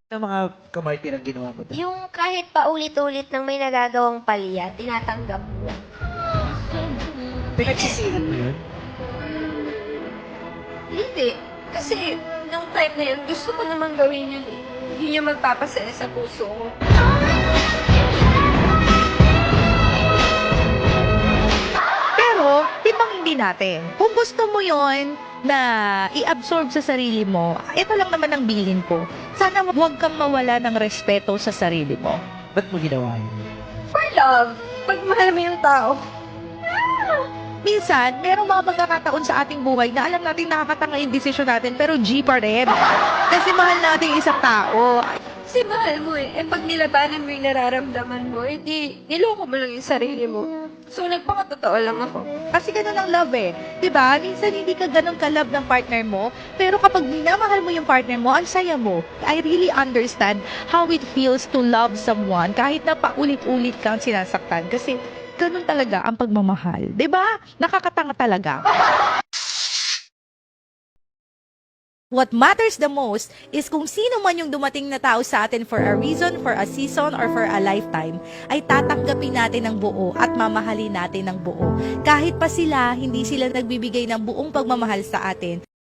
Ng mga kamartirang ginawa mo doon? Yung kahit paulit-ulit nang may nagagawang palya, tinatanggap mo. Pinagsisihan mo yun? Hindi. Kasi, nung time na yun, gusto ko namang gawin yun eh. Yun yung magpapasaya sa puso ko. Pero, timbang hindi natin. Kung gusto mo yon na i-absorb sa sarili mo, ito lang naman ang bilin ko. Sana huwag kang mawala ng respeto sa sarili mo. Ba't mo ginawa yun? For love. Pag mahal mo yung tao. Minsan, merong mga pagkakataon sa ating buhay na alam natin nakakatanga yung desisyon natin, pero G pa rin. Kasi mahal natin yung isang tao. Kasi mahal mo eh. Eh pag nilabanan mo yung nararamdaman mo, di niloko mo lang yung sarili mo. So nagpakatotoo lang ako. Kasi ganun ang love eh. 'Di ba? Minsan hindi ka ganun ka-love ng partner mo, pero kapag minamahal mo yung partner mo, ang saya mo. I really understand how it feels to love someone kahit na paulit-ulit kang sinasaktan. Kasi ganun talaga ang pagmamahal. 'Di ba? Nakakatanga talaga. What matters the most is kung sino man yung dumating na tao sa atin for a reason, for a season, or for a lifetime, ay tatanggapin natin ng buo at mamahalin natin ng buo. Kahit pa sila, hindi sila nagbibigay ng buong pagmamahal sa atin.